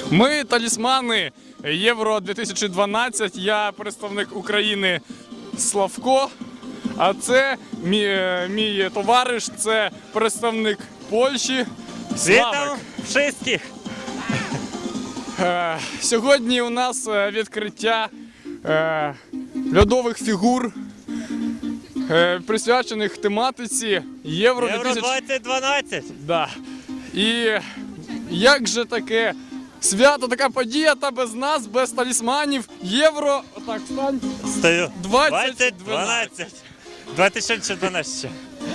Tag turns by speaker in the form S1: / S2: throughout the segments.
S1: Ми талісмани Євро 2012. Я представник України Славко, а це мій товариш, це представник Польщі Славик.
S2: Вітаю всіх!
S1: Сьогодні у нас відкриття льодових фігур, присвячених тематиці Євро
S2: 2012.
S1: Да. І як же таке свято, така подія, та без нас, без талісманів, Євро, отак, стань.
S2: Стою.
S1: 2012.
S2: 2012.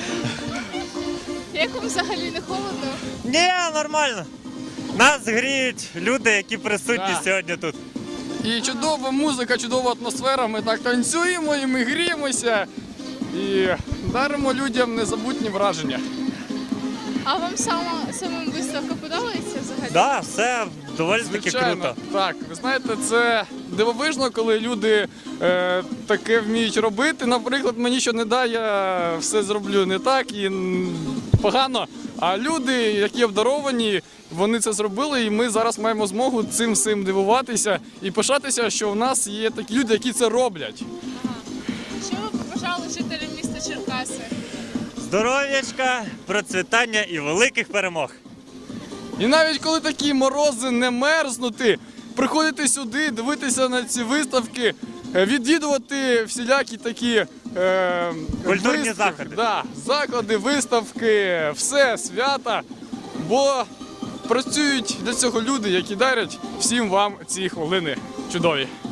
S3: Як вам взагалі не холодно?
S2: Ні, нормально. Нас гріють люди, які присутні
S1: Да.
S2: сьогодні тут.
S1: І чудова музика, чудова атмосфера, ми так танцюємо і ми гріємося. І даримо людям незабутні враження.
S3: А вам самим виставка подобається взагалі?
S2: Так, все доволі таки круто.
S1: Так. Ви знаєте, це дивовижно, коли люди таке вміють робити. Наприклад, мені що не дай, я все зроблю не так і погано. А люди, які обдаровані, вони це зробили, і ми зараз маємо змогу цим всім дивуватися і пишатися, що в нас є такі люди, які це роблять.
S3: Що ви побажали жителям міста Черкаси?
S2: Здоров'ячка, процвітання і великих перемог.
S1: І навіть коли такі морози, не мерзнути, приходити сюди, дивитися на ці виставки, відвідувати всілякі такі
S2: Культурні заходи.
S1: Да, заклади, виставки, все, свята, бо працюють для цього люди, які дарять всім вам ці хвилини чудові.